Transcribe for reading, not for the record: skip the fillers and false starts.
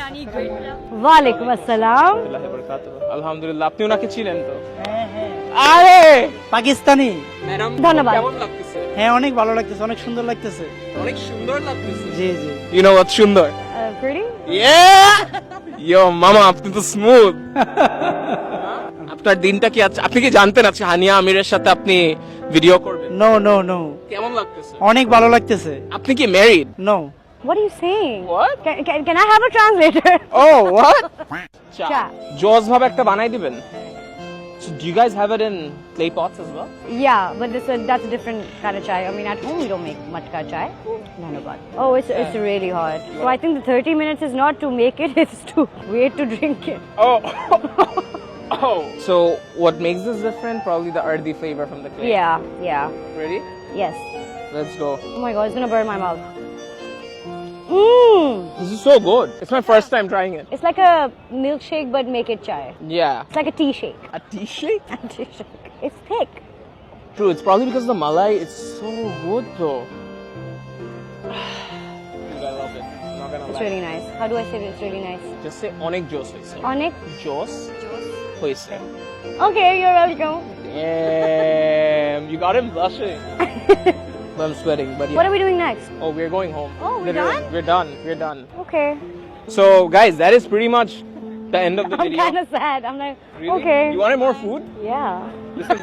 biryani, great pilaf. ওয়ালাইকুম আসসালাম। আলহামদুলিল্লাহ, আপনি ওনাকে চিনেন তো? হ্যাঁ আরে পাকিস্তানি। ম্যাডাম, ধন্যবাদ। কেমন লাগতেছে? হ্যাঁ অনেক ভালো লাগতেছে, অনেক সুন্দর লাগতেছে। অনেক সুন্দর লাগতেছে। জি জি। ইউ নো হোয়াট সুন্দর? প্রিটি? ইয়ো মামা, আপনি তো স্মুথ। আপনার দিনটা কি আছে? আপনি কি জানতেন আজকে হানিয়া আমিরের সাথে আপনি ভিডিও করবেন? নো নো নো, কেমন লাগতেছে? অনেক ভালো লাগতেছে। আপনি কি married? No. What are you saying? What? Can I have a translator? Oh, what? চা। জোস ভাবে একটা বানাই দিবেন? So do you guys have it in clay pots as well? Yeah, but that's a different kind of chai. I mean, at home we don't make matka chai. Dhanabad. Oh, it's really hot. So I think the 30 minutes is not to make it; it's to wait to drink it. Oh. Oh. So what makes this different? Probably the earthy flavor from the clay. Yeah. Ready? Yes. Let's go. Oh my god, it's gonna burn my mouth. Mmm. This is so good. It's my first time trying it. It's like a milkshake, but make it chai. Yeah. It's like a tea shake. A tea shake? Tea shake. It's thick. True, it's probably because the malai is so good though. Dude, I love it. I'm not gonna It's lie. really nice. How do I say it? It's really nice. Just say onek juice hoise. Onik. Juice hoise. Okay, you're welcome. Damn, you got him blushing. But I'm sweating, but yeah. What are we doing next? Oh, we're going home. Oh, we're Literally, done? We're done. We're done. Okay. So, guys, that is pretty much the end of the I'm video. kind of sad. I'm like, Really? okay. You wanted more food? Yeah. Listen.